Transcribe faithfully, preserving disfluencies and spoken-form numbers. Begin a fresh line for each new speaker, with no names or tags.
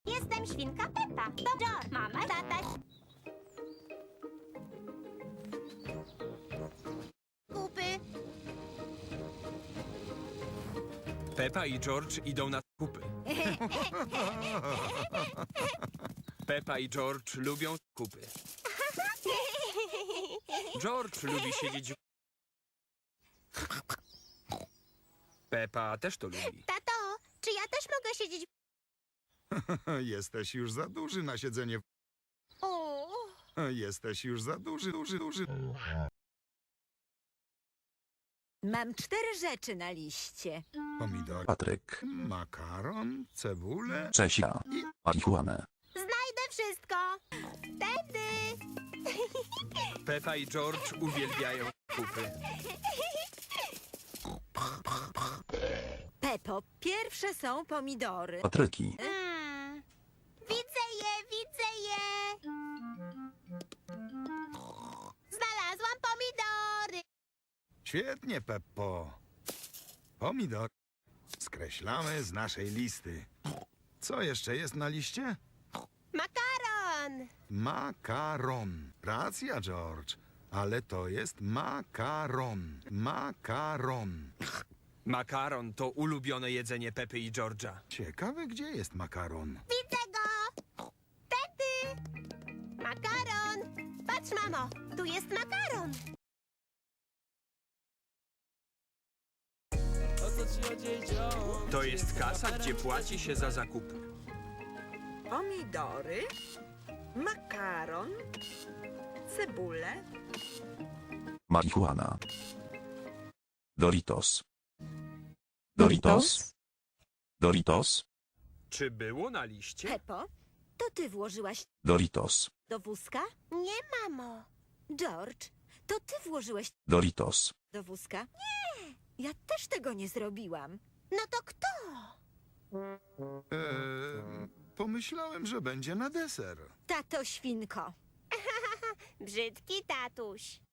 Jestem świnka Peppa. To George, mama, tata. Kupy.
Peppa i George idą na zakupy. Peppa i George lubią zakupy. George lubi siedzieć w... Peppa też to lubi.
Tato, czy ja też mogę siedzieć w...
Jesteś już za duży na siedzenie. w-
O,
Jesteś już za duży, duży, duży.
Mam cztery rzeczy na liście.
Pomidor,
Patryk,
makaron, cebulę.
Czesia, marihuanę.
znajdę wszystko. Wtedy.
Peppa i George uwielbiają zakupy.
Pepo, pierwsze są pomidory.
Patryki,
Mm. Widzę je, widzę je. Znalazłam pomidory.
Świetnie, Peppo. Pomidor. Skreślamy z naszej listy. Co jeszcze jest na liście?
Makaron.
Makaron. Racja, George. Ale to jest makaron. Makaron.
Makaron to ulubione jedzenie Pepy i George'a.
Ciekawe, gdzie jest makaron.
Widzę go. Wtedy. Makaron. Patrz, mamo, tu jest makaron.
To jest kasa, gdzie płaci się za zakupy.
Pomidory, makaron, cebulę,
marihuana. Doritos. Doritos? Doritos?
Czy było na liście?
Pepo, to ty włożyłaś
Doritos.
do wózka?
Nie, mamo.
George, to ty włożyłeś
Doritos.
do wózka? Nie, ja też tego nie zrobiłam.
No to kto?
Eee, pomyślałem, że będzie na deser.
Tato świnko.
Brzydki tatuś.